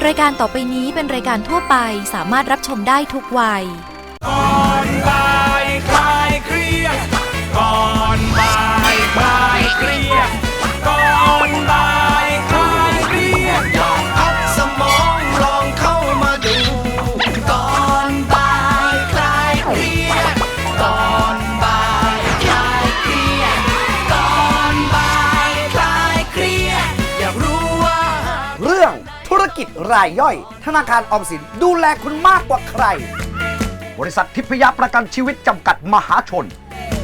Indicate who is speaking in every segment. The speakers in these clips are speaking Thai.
Speaker 1: รายการต่อไปนี้เป็นรายการทั่วไปสามารถรับชมได้ทุกวัย
Speaker 2: ก่อนบ่ายคลายเครียดก่อนบ่ายคลายเครียดก่อนบ่ายคลายเครียดลองพักสมองลองเข้ามาดูก่อนบ่ายคลายเครียดก่อนบ่ายคลายเครียดก่อนบ่ายคลายเครียดอยากรู้ว่า
Speaker 3: เรื่องธุรกิจรายย่อยธนาคารออมสินดูแลคุณมากกว่าใครบริษัททิพยประกันชีวิตจำกัดมหาชน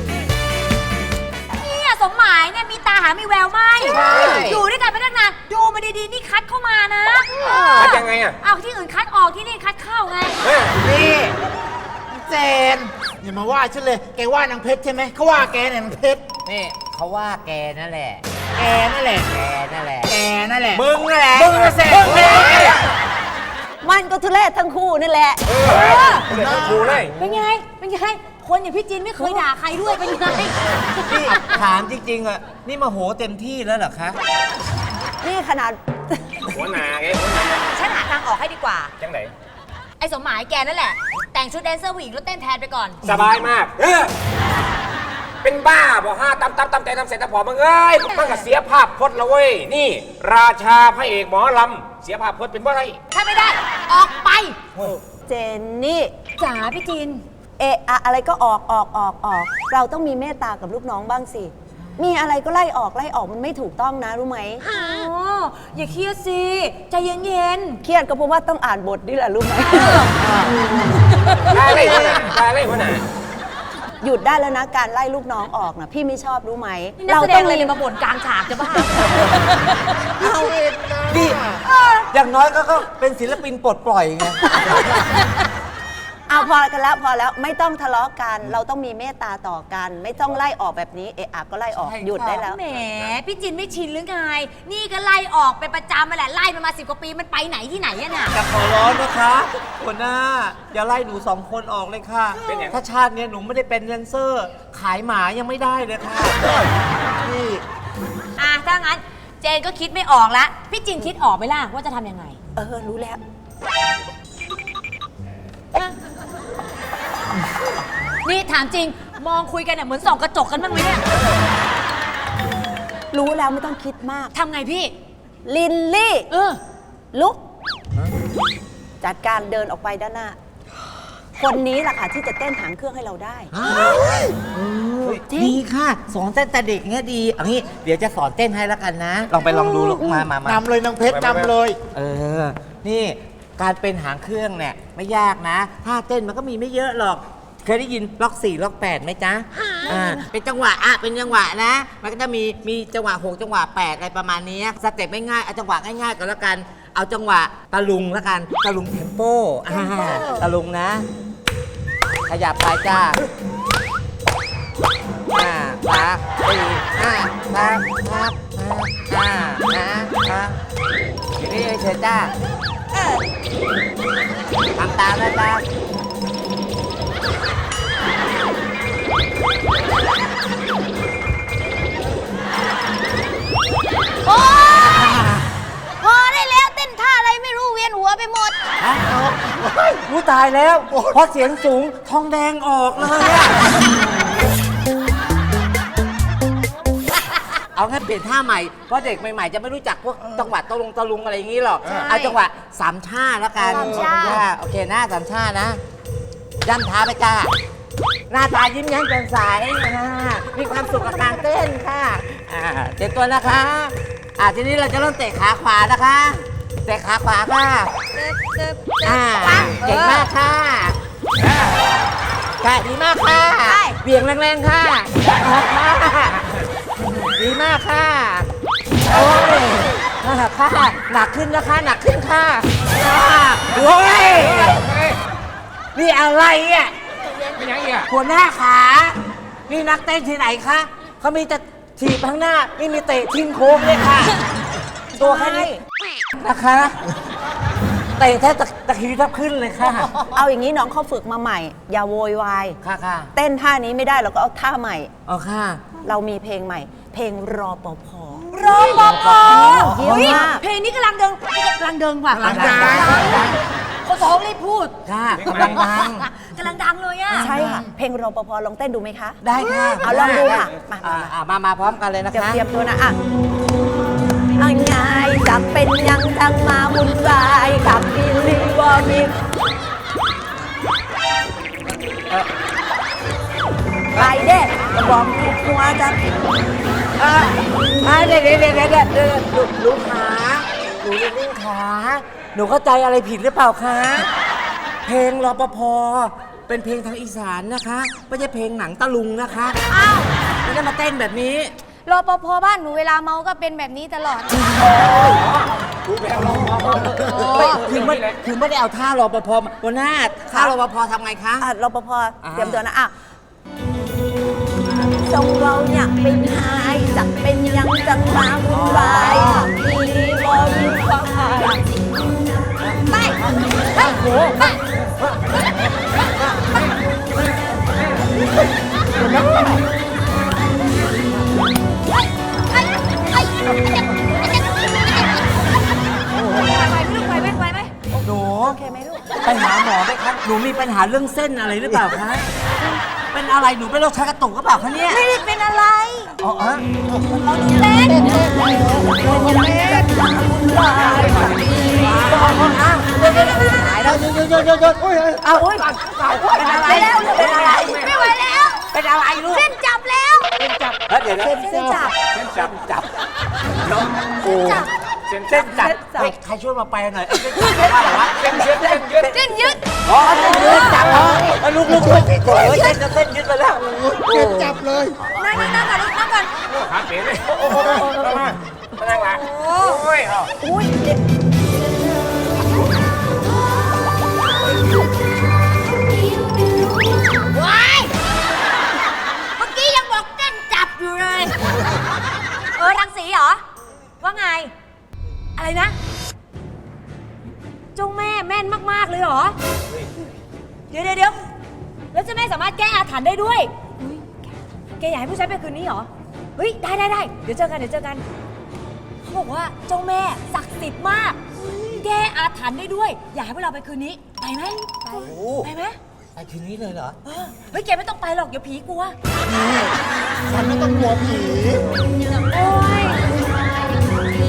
Speaker 4: เนี่ยสมหมายเนี่ยมีตาหามีแววไหมอยู่ด้วยกันไปตั้งนานดูมาดีๆนี่คัดเข้ามานะ
Speaker 5: คัดยังไงอ่ะ
Speaker 4: เอาที่อื่นคัดออกที่นี่คัดเข้าไง
Speaker 5: นี่เจนอย่ามาว่าฉันเลยแกว่านางเพชรใช่ไหมเขาว่าแกเนี่ยนางเพชร
Speaker 6: นี่เขาว่าแกนั่นแหละ
Speaker 5: แกนั่นแหละ
Speaker 6: แกนั่นแหละ
Speaker 5: แกนั่นแหละ
Speaker 6: มึงนั่นแหละ
Speaker 5: มึงน่ะเสร็จ
Speaker 7: มันก็ทุเรศทั้งคู่นี่แหละ
Speaker 5: ครูเลย
Speaker 4: เป็นไงคนอย่างพี่จินไม่เคยด่าใครด้วยเป็นไง
Speaker 6: นี่ถามจริงๆอ่ะนี่มาโหเต็มที่แล้วเหรอคะ
Speaker 7: นี่ขนาด
Speaker 5: หัวหนาไง
Speaker 4: ฉันหาทางออกให้ดีกว่า
Speaker 5: จังไหน
Speaker 4: ไอ้สมหมายแกนั่นแหละแต่งชุดแดนเซอร์ผู้หญิงแล้วเต้นแทนไปก่อน
Speaker 5: สบายมากเป็นบ้าบอกห้าตำแต่ทำเสร็จแต่พอมึงเอ้ยมันก็เสียภาพพจน์ละเว้ยนี่ราชาพระเอกหมอลำเสียภาพพจน์เป็นว่าไร
Speaker 4: ถ้าไม่ได้ออกไป
Speaker 7: เจนนี่
Speaker 4: จ๋าพี่จิน
Speaker 7: อะไรก็ออกเราต้องมีเมตตากับลูกน้องบ้างสิมีอะไรก็ไล่ออกมันไม่ถูกต้องนะรู้ไหม
Speaker 4: อย่าเครียดสิใจเย็น
Speaker 7: ๆเครียดก็เพราะว่าต้องอ่านบทนี่แหละรู้ไหม
Speaker 5: ได้เลยหัวหน้า
Speaker 7: หยุดได้แล้วนะการไล่ลูกน้องออกนะพี่ไม่ชอบรู้ไหม
Speaker 4: เราต้องเลยมาบ่นกลางฉากจะบ้า
Speaker 6: ดิอย่างน้อยก็เป็นศิลปินปลดปล่อยไง
Speaker 7: เอาพอแล้วไม่ต้องทะเลาะกันเราต้องมีเมตตาต่อกันไม่ต้องไล่ออกแบบนี้ก็ไล่ออกหยุดได้แล้ว
Speaker 4: แหมพี่จินไม่ชินหรือไงนี่ก็ไล่ออกเป็นประจำมาแหละไล่มา10 กว่าปีมันไปไหนที่ไหนอะน่ะ
Speaker 6: จะขอร้องนะคะหัวหน้าอย่าไล่หนู2 คนออกเลยค่ะถ้าชาตินี้หนูไม่ได้เป็นแดนเซอร์ขายหมายังไม่ได้เลยค่ะพี่
Speaker 4: ถ้างั้นเจนก็คิดไม่ออกแล้วพี่จินคิดออกไหมล่ะว่าจะทำยังไง
Speaker 7: รู้แล้ว
Speaker 4: นี่ถามจริงมองคุยกันเนี่ยเหมือนส่องกระจกกันบ้างไหมเนี่ย
Speaker 7: รู้แล้วไม่ต้องคิดมาก
Speaker 4: ทำไงพี่
Speaker 7: ลินลี่ลุกจัดการเดินออกไปด้านหน้าคนนี้แหละค่ะที่จะเต้นหางเครื่องให้เราได้
Speaker 6: ดีค่ะสอนเต้นแต่เด็กเงี้ยดีเอางี้เดี๋ยวจะสอนเต้นให้แล้วกันนะลองไปลองดูมาน
Speaker 5: ำเลยนางเพชรนำเลย
Speaker 6: นี่การเป็นหางเครื่องเนี่ยไม่ยากนะท่าเต้นมันก็มีไม่เยอะหรอกเคยได้ยินล็อก4ล็อก8ไหมจ๊ะเป็นจังหวะเป็นจังหวะนะมันก็จะมีจังหวะ6จังหวะ8อะไรประมาณนี้สเต็ปไม่ง่ายเอาจังหวะง่ายๆก่อนแล้วกันเอาจังหวะตะลุงแล้วกันตะลุงเทมโปตะลุงนะขยับไปจ้า3 4 5 นี่เชิญจ้าทำตามนะจ๊ะ
Speaker 4: โอ้พอได้แล้วเต้นท่าอะไรไม่รู้เวียนหัวไปหมด
Speaker 6: รู้ตายแล้วพอเสียงสูงทองแดงออกเลยเอาแค่เปลี่ยนท่าใหม่เพราะเด็กใหม่ๆจะไม่รู้จักพวกจังหวะตะลุงอะไรอย่างนี้หรอกเอาจังหวะ3 ชาแล้วกันโอเคหน้า3 ชานะย่ำเท้าไปจ้าหน้าตายิ้มแย้มแจ่มใสมีความสุขกับการเต้นค่ะเตรียมตัวนะคะทีนี้เราจะเริ่มเตะขาขวานะคะเตะขาขวาค่ะเก่งมากค่ะดีมากค่ะเบี่ยงแรงๆค่ะดีมากค่ะโอ้ยค่ะหนักขึ้นนะคะหนักขึ้นค่ะโอ้ยนี่อะไรอ่ะหัวหน้าขานี่นักเต้นที่ไหนคะเขามีแต่ถีบข้างหน้าไม่มีเตะทิ้งโค้งเลยค่ะตัวแค่นี้นะคะเตะแค่ตะคีทับขึ้นเลยค่ะ
Speaker 7: เอาอย่างนี้น้องเขาฝึกมาใหม่อย่าโวยวาย
Speaker 6: ค่ะ
Speaker 7: เต้นท่านี้ไม่ได้เราก็เอาท่าใหม่
Speaker 6: ค่ะ
Speaker 7: เรามีเพลงใหม่เพลงรปภ
Speaker 4: เยี่ยมมากเพลงนี้กำลังลังเดินว่ะ
Speaker 6: กำลังดัง
Speaker 4: คนสองรีบพูด
Speaker 6: ค่ะกำลังดัง
Speaker 4: กำลังดังเลยอ่ะ
Speaker 7: ใช่ค่ะ เพลงรปภลองเต้นดูไหมคะ
Speaker 6: ได้ค่ะ
Speaker 7: เอาลองดูค่ะ
Speaker 6: มาพร้อมกันเลยนะ
Speaker 7: เดี๋ยว
Speaker 6: คะ
Speaker 7: เตรียมตัวนะอ่ะอังไงจะเป็นยังจังมาวุ่นวายกับบิลลี่วอร์มิกไปเด้ก็บอกหัวจะ
Speaker 6: เดี๋ยวลูกขาหนูนิ่งขาหนูเข้าใจอะไรผิดหรือเปล่าคะ เพลงรปภเป็นเพลงทางอีสานนะคะ ไม่ใช่เพลงหนังตะลุงนะคะ
Speaker 4: อ้าว
Speaker 6: ไม่ได้มาเต้นแบบนี้
Speaker 8: รปภบ้านหนูเวลาเมาก็เป็นแบบนี้ตลอด
Speaker 6: คือไม่ได้เอาท่ารปภมาวันหน้าท่ารปภทำไงคะ
Speaker 7: อ่ะรปภเตรียมตัวนะอ่ะจงเราอยากเป็นหายจะเป็นยังจังมาวุ่นวายบิลลี่วอร์มิกความหาย
Speaker 4: ไปไปไปไหวไหม
Speaker 6: หนู
Speaker 7: โอเคไหมลูก
Speaker 6: ไปหาหมอไหมคะหนูมีปัญหาเรื่องเส้นอะไรหรือเปล่าคะ เป็นอะไรหนูเป็นโรคชักกระตุกหรือเปล่าคะเนี่ย
Speaker 4: ไม่ได้เป็นอะไร
Speaker 6: อ๋อฮะ
Speaker 4: เล่น
Speaker 6: หายแล้วหยุดเอาโอ๊ยเป็นอะไร
Speaker 4: เป็นอะไรไม่ไหวแล้ว
Speaker 6: เป็นอะไรลูก
Speaker 4: เส้นจับแล้ว
Speaker 6: เดี๋ยวเส้นจับโอ้เส้นจับใครช่วยมาแปลหน่อยเส้นจับว่าอะไรวะเส้นยึด
Speaker 4: เส้นยึด
Speaker 6: อ๋อเส้นยึดจับลูกเส้นยึดไปแล้วเส้นจับเลย
Speaker 4: นั่งก่อนลูกนั่งก่อน
Speaker 5: ขาเป๋เลยมานั่งละโอ้ยเอา
Speaker 7: อุ้ยเด็ก
Speaker 4: ว้ายเมื่อกี้ยังบอกเส้นจับอยู่เลย รังสีเหรอ ว่าไง อะไรนะเจ้าแม่แม่นมาก ๆ เลยเหรอ เดี๋ยวแล้วเจ้าแม่สามารถแก้อาถรรพ์ได้ด้วยแกอยากให้ผู้ชายไปคืนนี้เหรอ เฮ้ย ได้ เดี๋ยวเจอกันเขาบอกว่าเจ้าแม่ศักดิ์สิทธิ์มาก แก้อาถรรพ์ได้ด้วย อยากให้พวกเราไปคืนนี้ ไปไหมไปไหม
Speaker 6: ไปคืนนี้เลยเหรอ
Speaker 4: เฮ้ย แกไม่ต้องไปหรอก เดี๋ยวผีกลัว
Speaker 3: ฉันไม่ต้องกลัวผี
Speaker 4: โอ้ย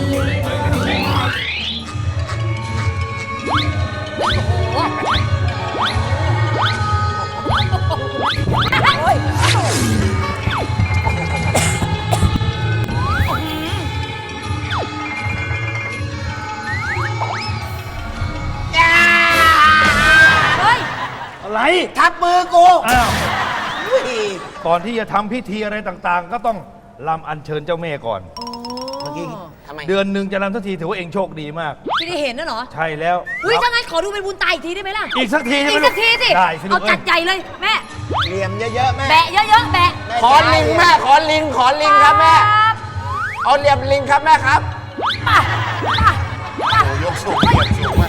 Speaker 4: เฮ้ย
Speaker 9: อะไร
Speaker 6: ทับมือกู
Speaker 9: อ้าวก่อนที่จะทำพิธีอะไรต่างๆ ก็ต้องรำอัญเชิญเจ้าแม่ก่อน
Speaker 6: เมื่อกี้ทำไม
Speaker 9: เดือนหนึ่งจะรำสักทีถือว่าเองโชคดีมาก
Speaker 4: พี่ได้เห็นนะเหรอ
Speaker 9: ใช่แล้ว
Speaker 4: อุ้ยถ้างั้นขอดูเป็นบุญตาอีกทีได้ไหมล่ะ
Speaker 9: อีกสักทีใช่ไหม
Speaker 4: อีกสักทีสิ
Speaker 9: ได้สิลู
Speaker 4: เอา
Speaker 9: ก
Speaker 4: จัดใหญ่เลยแม่
Speaker 6: เหลี่ยมเยอะๆแม่
Speaker 4: แบะเยอะๆ แบะ
Speaker 5: ขอลิงแม่ขอลิงครับแม่ เอาเหลี่ยมลิงครับแม่ครับ
Speaker 4: ป่ะ
Speaker 3: ยกสูงเหยียบสูงมาก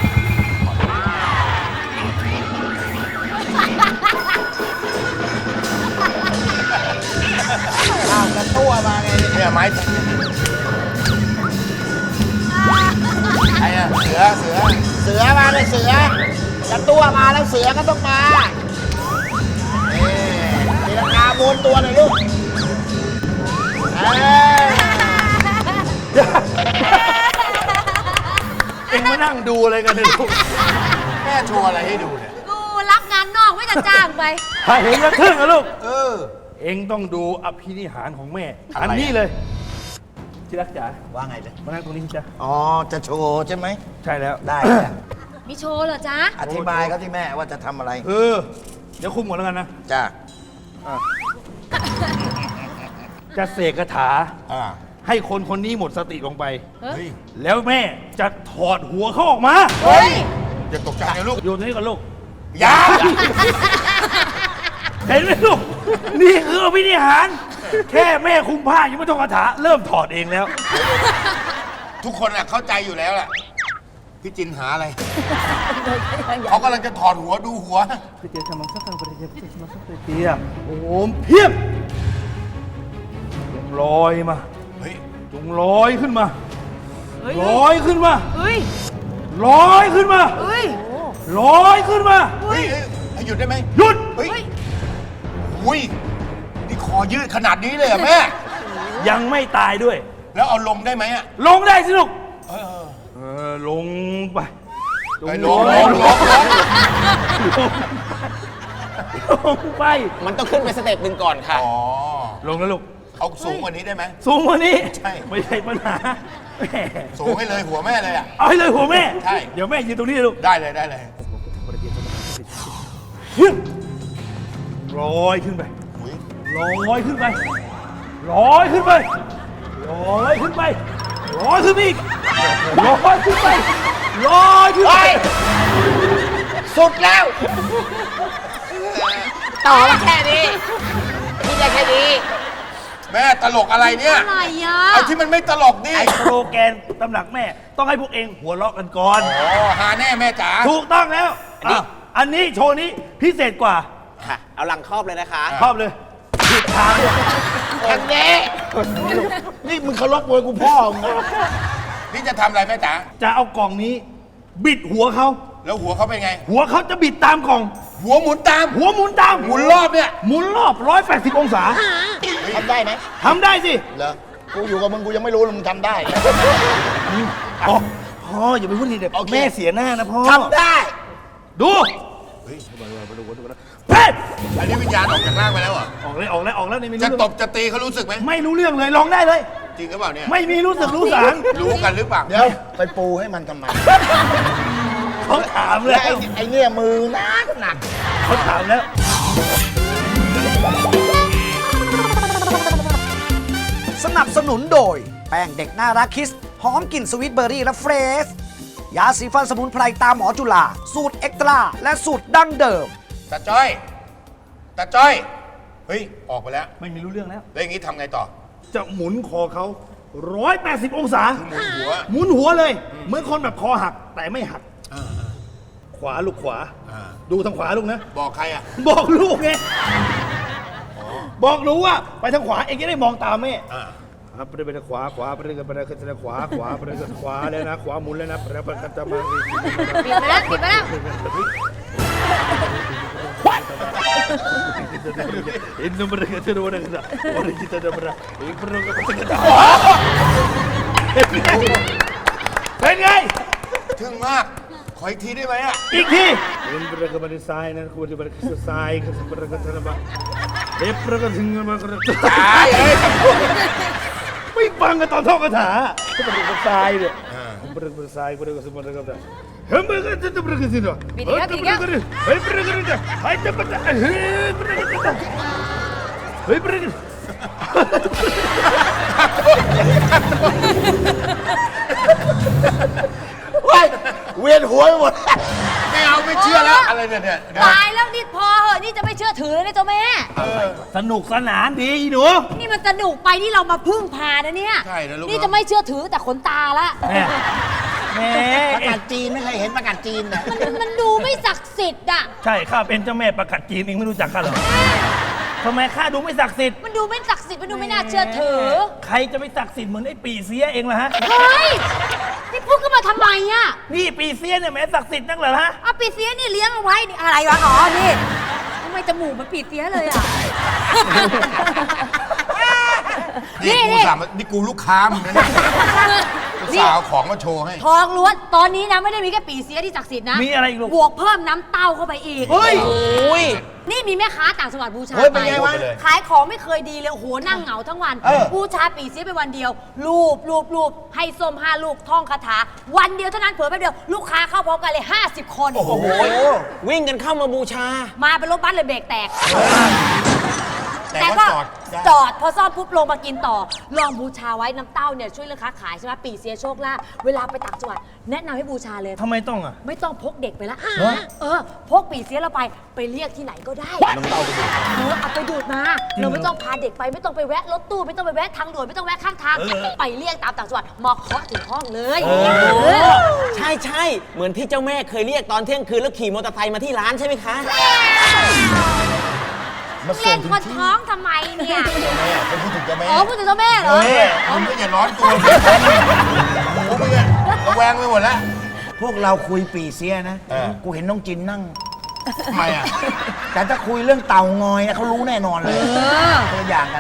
Speaker 6: กระตัวมาไง
Speaker 3: เนี่ยไม้ไอ้อะเสือมาเลยเสือกระตัวมาแล้วเสือก็ต้องมาตีลังกาโบนตัวหน่อยลูก
Speaker 9: เองมานั่งดูอะไรกันเนี่ยลูก
Speaker 3: แม่โชว์อะไรให้ดูเนี่ย
Speaker 4: กูรับงานนอกไม่จะจ้างไป
Speaker 9: ถ้าเห็นแล้วทึ่งนะลูกเองต้องดูอภินิหารของแม่ อันนี้เลยที่รักจ๋า
Speaker 3: ว่าไงเลย
Speaker 9: มานั่งตรงนี้จ้ะ
Speaker 3: อ๋อ จะโชว์ใช่ไหม
Speaker 9: ใช่แล้ว
Speaker 3: ได้จ้ะ
Speaker 4: มีโชว์เหรอจ๊ะ
Speaker 3: อธิบายเขาที่แม่ว่าจะทำอะไร
Speaker 9: เดี๋ยวคุมก่อนแล้วกันนะ
Speaker 3: จ้ะ
Speaker 9: จะเสกคาถา
Speaker 3: อ่า
Speaker 9: ให้คนคนนี้หมดสติลงไป
Speaker 3: เฮ้ย
Speaker 9: แล้วแม่จะถอดหัวเขาออกมา
Speaker 4: เฮ้ย
Speaker 3: อย่าตกใจนะลูก
Speaker 9: โยนตรงนี้ก่อนลูก
Speaker 3: อย่า
Speaker 9: เห็นไหมลูก นี่คืออภินิหาร แค่แม่คุมผ้ายังไม่ต้องคาถา เริ่มถอดเองแล้ว
Speaker 3: ทุกคนอะเข้าใจอยู่แล้วแหละพี่จินหาอะไร เขากำลังจะถอดหัวดูหัว
Speaker 9: โอ้โหเพียบจงลอยมา
Speaker 3: เฮ้ย
Speaker 9: จงลอยขึ้นมาลอยขึ้นมา
Speaker 4: เฮ้ย
Speaker 9: ลอยขึ้นมา
Speaker 4: เฮ้ย
Speaker 9: ลอยขึ้นมา
Speaker 2: เฮ้ยให้หยุดได้ไหม
Speaker 9: หยุด
Speaker 2: เฮ้ยอุ้ยนี่คอยืดขนาดนี้เลยเหรอะแม่
Speaker 9: ยังไม่ตายด้วย
Speaker 2: แล้วเอาลงได้ไหมอะ
Speaker 9: ลงได้สิลูก
Speaker 2: เออ
Speaker 9: ลงไป
Speaker 2: เฮ้ยลง
Speaker 9: ไป
Speaker 6: มันต้องขึ้นไปสเต็ปหนึ่งก่อนค่ะ
Speaker 2: อ๋อ
Speaker 9: ลงแล้วลูก
Speaker 2: เอาสูงกว่านี้ได้ไหม
Speaker 9: สูงกว่านี้
Speaker 2: ใช่
Speaker 9: ไม่ใช่ปัญหาแม่
Speaker 2: สูงให้เลยหัวแม่เลยอะ
Speaker 9: เอาให้เลยหัวแม่
Speaker 2: ใช่
Speaker 9: เดี๋ยวแม่ยืนตรงนี้ลูก
Speaker 2: ได้เลยได้เลย
Speaker 9: ลอยขึ้นไป
Speaker 2: อุ้ย
Speaker 9: ลอยขึ้นไป ลอยขึ้นไป ลอยขึ้นไป ลอยขึ้นไปอีกลอยขึ้นไป ลอยขึ้นไป
Speaker 6: สุดแล้ว ต่อมาแค่นี้พี่ได้แค่นี้
Speaker 2: แม่ตลกอะไรเนี่ย
Speaker 4: อะไรอ่ะ
Speaker 2: เอาที่มันไม่ตลกดิ
Speaker 9: ไอ้โปรแกรมตำหนักแม่ ต้องให้พวกเองหัวเราะกันก่อน
Speaker 2: อ๋อหาแน่แม่จ๋า
Speaker 9: ถูกต้องแล้วอันนี้โชว์นี้พิเศษกว่า
Speaker 6: ค่ะ เอาหลังครอบเลยนะคะ
Speaker 9: ชอบเลยผิดทางเลย
Speaker 6: แค่นี้
Speaker 3: นี่มึงเคารพมวยกูพ่อมึงนะ
Speaker 2: นี่จะทำอะไรแม่จ๋า
Speaker 9: จะเอากล่องนี้ บิดหัวเขา
Speaker 2: แล้วหัวเขาเป็นไง
Speaker 9: หัวเขาจะบิดตามกล่อง
Speaker 2: หัวหมุนตาม
Speaker 9: หัวหมุนตาม
Speaker 2: หมุนรอบเนี่ย
Speaker 9: หมุนรอบ 180 องศา
Speaker 3: ทำได้ไหม
Speaker 9: ทำได้สิ
Speaker 3: เหรอ กูอยู่กับมึงกูยังไม่รู้เลยมึงทำได้
Speaker 9: พ่ออย่าไปพูดทีเด็ด
Speaker 3: โอเค
Speaker 9: แม่เสียหน้านะพ่อ
Speaker 3: ทำได้
Speaker 9: ดู
Speaker 2: เฮ้ย
Speaker 9: เฮ้ย
Speaker 2: อันนี้วิญญาณออกจากร่างไปแล้วเหรอ
Speaker 9: ออกแล้วนี่ไม่
Speaker 2: จะ
Speaker 9: รู้
Speaker 2: ตบจะตีเขารู้สึกไหม
Speaker 9: ไม่รู้เรื่องเลยลองได้เลย
Speaker 2: จริงหรือเปล่าเนี่ย
Speaker 9: ไม่มีรู้สึกรู้สาง
Speaker 2: รู้กันหรือเปล่า
Speaker 3: เดี๋ยวไปปูให้มันทำไม
Speaker 9: เขาถามแล้
Speaker 3: และ
Speaker 9: ว
Speaker 3: ไอ้เนี่ยมือหนัก
Speaker 9: เขาถามแล้ว
Speaker 3: สนับสนุนโดย แป้งเด็กน่ารักคิส หอมกลิ่นสวิตเบอร์รี่และเฟรช ยาสีฟันสมุนไพรตามหมอจุฬาสูตรเอ็กตร้าและสูตรดั้งเดิม
Speaker 2: ตาจ้อย ตาจ้อย เฮ้ย ออกไปแล้ว
Speaker 9: ไม่มีรู้เรื่องแล้ว
Speaker 2: แล้วอย่างนี้ทำไงต่อ
Speaker 9: จะหมุนคอเขา 180 องศา
Speaker 2: หมุนหัว
Speaker 9: หมุนหัวเลย เหมือนคนแบบคอหักแต่ไม่หัก ขวาลูกขวา ดูทางขวาลูกนะ
Speaker 2: บอกใครอ่ะ
Speaker 9: บอกลูกไงบอกหนูว่าไปทางขวาเองจะได้มองตามแม่ ครับไปทางขวาไปทางขวาไปทางขวาไปทางขวาแล้วนะขวาหมุนแล้วนะแล้วก็จะมา
Speaker 4: ปิดไปแล้วปิดไปแล้ว
Speaker 9: อินโนเบรกเตอร์วันนั้นวันนี้kita dah berah ini perlu kitaเป็นไง
Speaker 2: ทึ่งมาก ขออีกทีได้ไหมอ่ะ
Speaker 9: อีกทีอินเบรกบันไซน์นั่นควรจะเป็นไซน์คือเบรกอะไรบ้างเอฟเบรกถึงมาก็ไม่ฟังกันตอนท่องคาถาก็เป็นไซน์เนี่ยเบรกไซน์เบรกสมบัติก็ได้เฮ้ยเบรกจะเบรกสิเนาะเฮ้ยเบรกเฮ้ยเบรกจะเฮ้ยจะเบรกเฮ้ยเบรกเฮ้ยเบรก
Speaker 3: เวียนหัวไปหมด
Speaker 2: ไม่เอาไม่เชื่อแล้ว อะไรเนี่ย
Speaker 4: ตายแล้วนี่พอเหอะนี่จะไม่เชื่อถือเลยนะเจ้าแม่
Speaker 9: สนุกสนานดีหนู
Speaker 4: นี่มันสนุกไปที่เรามาพึ่งพานะเนี่ย
Speaker 2: ใช่นะลูก
Speaker 4: นี่จะไม่เชื่อถือแต่ขนตาละ
Speaker 9: แม่
Speaker 3: ประกาศจีนไม่เคยเห็นประกาศจีนนะ
Speaker 4: มันดูไม่ศักดิ์สิทธิ์อ่ะ
Speaker 9: ใช่ข้าเป็นเจ้าแม่ประกาศจีนเองไม่รู้จักข้าหรอทำไมข้าดูไม่ศักดิ์สิทธิ์
Speaker 4: มันดูไม่ศักดิ์สิทธิ์มันดูไม่น่าเชื่อถือ
Speaker 9: ใครจะไปศักดิ์สิทธิ์เหมือนไอ้ปีเสียเองล่ะฮะ
Speaker 4: เฮ้ยนี่พูดกันมาทำไมอ่ะ
Speaker 9: นี่ปีเสียเนี่ยแม้ศักดิ์สิทธิ์นักเหรอฮะ
Speaker 4: เอาปีเสียนี่เลี้ยงเอาไว้นี่อะไรวะอ๋อนี่ทำไมจมูกมันปีเสียเลยอ่ะ
Speaker 2: นี่กูสั่งนี่กูลูกค้ามึงนะเนี่ยกูสาวของมาโชว์ให้
Speaker 4: ทองล้วนตอนนี้นะไม่ได้มีแค่ปีเสียที่ศักดิ์สิทธิ์นะ
Speaker 9: มีอะไรอีกลูก
Speaker 4: บวกเพิ่มน้ำเต้าเข้าไปอีก
Speaker 9: เฮ้ย
Speaker 4: นี่มีแม่ค้าต่างจังหวัดบูชา
Speaker 3: เฮ้ยเป็นไงวะ
Speaker 4: ขายของไม่เคยดีเลยโอ้โหนั่งเหงาทั้งวัน บูชาปีเสียไปวันเดียว รูปให้ส้ม5 ลูกท่องคาถา วันเดียวเท่านั้นเผลอแป๊บเดียวลูกค้าเข้าพร้อมกันเลย50 คน
Speaker 2: โอ้โห
Speaker 6: วิ่งกันเข้ามาบูชา
Speaker 4: มาเป็นรถบัสเลยเบรกแตก
Speaker 2: แต่ก็
Speaker 4: จอดพอซ่อมปุ๊บลงมากินต่อ ลองบูชาไว้น้ำเต้าเนี่ยช่วยเรื่องค้าขายใช่ไหมปีเสียโชคลาภเวลาไปต่างจังหวัดแนะนำให้บูชาเลย
Speaker 9: ทำไมต้องอ่ะ
Speaker 4: ไม่ต้องพกเด็กไปละพกปีเสียเราไปเรียกที่ไหนก็ได้น้ำเต้าเอาไปดูดมา เราไม่ต้องพาเด็กไปไม่ต้องไปแวะรถตู้ไม่ต้องไปแวะทางด่วนไม่ต้องแวะข้างทางไปเรียกตามต่างจังหวัดมาเคาะถึงห้องเลย
Speaker 6: ใช่เหมือนที่เจ้าแม่เคยเรียกตอนเที่ยงคืนแล้วขี่มอเตอร์ไซค์มาที่ร้านใช่ไหมคะ
Speaker 9: มาส่
Speaker 4: เล่
Speaker 9: ง
Speaker 4: น
Speaker 9: ถึง
Speaker 4: คน
Speaker 9: ที่
Speaker 4: ท้องทำไมเนี่ย
Speaker 9: แม่เป็นผู้ถูกเจ้าแม่
Speaker 4: อ๋อพูดถึงเจ้าแม่เหรอ
Speaker 9: มึงก็อย่าร้อนตัวสิกูมึงอะระแวงไปหมดแล้ว
Speaker 6: พวกเราคุยปีเสียนะ กูเห็นน้องจินนั่ง
Speaker 9: ทำไมอ่ะ
Speaker 6: แต่ถ้าคุยเรื่องเต่างอยนะเขารู้แน่นอนเลยคนละอย่างกัน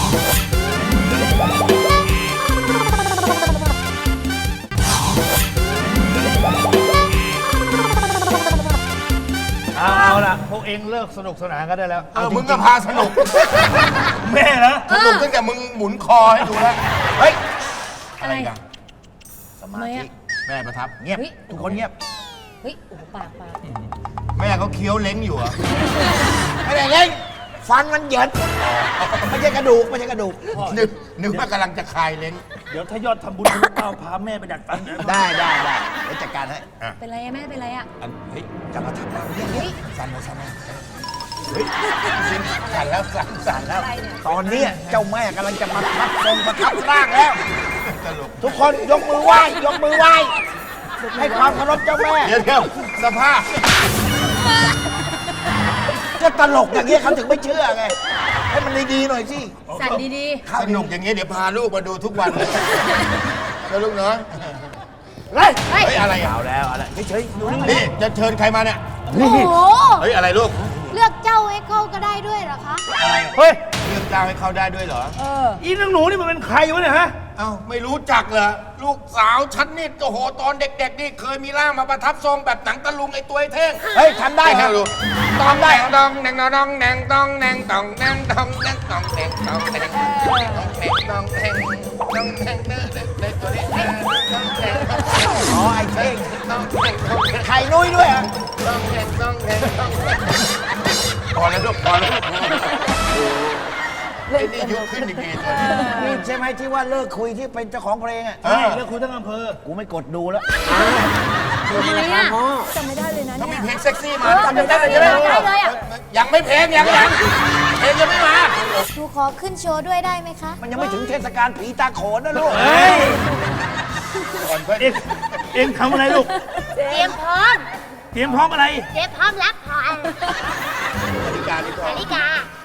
Speaker 9: เอาล่ะ พวกเองเลิกสนุกสนานกันได้แล้ว
Speaker 10: มึงก็พาสนุก
Speaker 9: แม่เหรอ
Speaker 10: สนุกตั้งแต่มึงหมุนคอให้ดูแล้ว
Speaker 9: เฮ้ย
Speaker 10: อะไรกัน
Speaker 6: สมาธิ
Speaker 10: แม่ประทับ
Speaker 6: เงียบ ทุกคนเงียบ
Speaker 4: เฮ้ยโอ้โหปาก
Speaker 10: แม่เขาเคี้ยวเล้งอยู่เหรอ
Speaker 6: ไม่ได้เล่นฟันมันเหยินไม่ใช่กระดูก ไม่ใช่กระดูก
Speaker 10: นึกว่ากำลังจะคลายเล้ง
Speaker 9: เดี๋ยวถ้ายอดทำบุญทะลุเป้าพาแม่ไปดัดฟันนะ
Speaker 6: ได้เดี๋ยวจัดการให้
Speaker 4: เป็นไรอะแม่เป็นไรอะ
Speaker 10: เฮ้ย
Speaker 6: จะมาทำอะไรเนี่ย
Speaker 10: สั่นนะเฮ้ยสั่นแล้วสั่นแล้ว
Speaker 6: ตอนนี้เจ้าแม่กำลังจะมาทับทรงประทับร่างแล้ว
Speaker 10: ตลก
Speaker 6: ทุกคนยกมือไหว้ยกมือไหว้ให้ความเคารพเจ้าแม่
Speaker 10: เดี๋ยวสภาพ
Speaker 6: ก็ตลกอย่างเงี้ยเขาถึงไม่เชื่อไง ให้มันดีๆหน่อยสิ
Speaker 4: สั่นดี
Speaker 10: สนุกอย่างเงี้ยเดี๋ยวพาลูกมาดูทุกวันเลยแล้วลูกเนาะ
Speaker 6: เฮ้ย
Speaker 10: เฮ้ยอะไรอ่ะ
Speaker 6: เอาแล้วเฉยๆดูนี่
Speaker 10: นี่จะเชิญใครมาเนี่ย
Speaker 8: โอ้โห
Speaker 10: เฮ้ยอะไรลูก
Speaker 8: เลือกเจ้าให้เข้าก็ได้ด้วยเหรอคะ
Speaker 9: เฮ้ย
Speaker 10: เลือกเจ้าให้เขาได้ด้วยเหรอ
Speaker 9: อีนางหนูนี่มันเป็นใครวะเนี่ยฮะ
Speaker 10: เอ้าไม่รู้จักเหรอลูกสาวฉันนี่โอ้โหตอนเด็กๆนี่เคยมีร่างมาประทับทรงแบบหนังตะลุงไอ้ตัวไอ้เท่ง
Speaker 6: เฮ้ยทำได้
Speaker 10: ให้
Speaker 6: ครับ
Speaker 10: ดูตองได้ตองแนงตองแนงตองแนงตองแนงตองแนงตองแนงตองแนงตองแนงตองแนงตองแนงในตัวนี้ตองแนง
Speaker 6: อ๋อไอ้เท่ง
Speaker 10: ตองแนงตองแนง
Speaker 6: ไข่นุ้ยด้วยอ่ะ
Speaker 10: ตองแนงตองแนงตองแนงพอแล้วลูกพอแล้วไอ้นี่ยุขึ้นอีกทีตัวนี้
Speaker 6: นี่ใช่ไหมที่ว่าเลิกคุยที่เป็นเจ้าของเพลงอ่ะ
Speaker 10: เออ
Speaker 9: แล้วคุยทั้งอำเภอ
Speaker 6: กูไม่กดดูแล้ว
Speaker 4: ๆทำไมอะ
Speaker 8: จำไม่ได้เลยนะ
Speaker 10: ถ้ามี
Speaker 8: เนี่ย
Speaker 10: เพลงเซ็กซี่มา
Speaker 4: จำได้เลยใช่ไหมได้เลยอะ
Speaker 10: ยังไม่เพลงยังเพลงยังไม่มา
Speaker 8: หนูขอขึ้นโชว์ด้วยได้ไหมคะ
Speaker 6: มันยังไม่ถึงเทศกาลผีตาโขนนะลูก
Speaker 9: เฮ้ย
Speaker 10: ก่อนเพื่อน
Speaker 9: เองทำอะไรลูก
Speaker 4: เตรียมพร้อม
Speaker 9: เตรียมพร้อมอะไร
Speaker 4: เตรียมพร้อมรับพร
Speaker 10: นาฬิกาดีกว่า
Speaker 4: นาฬิกา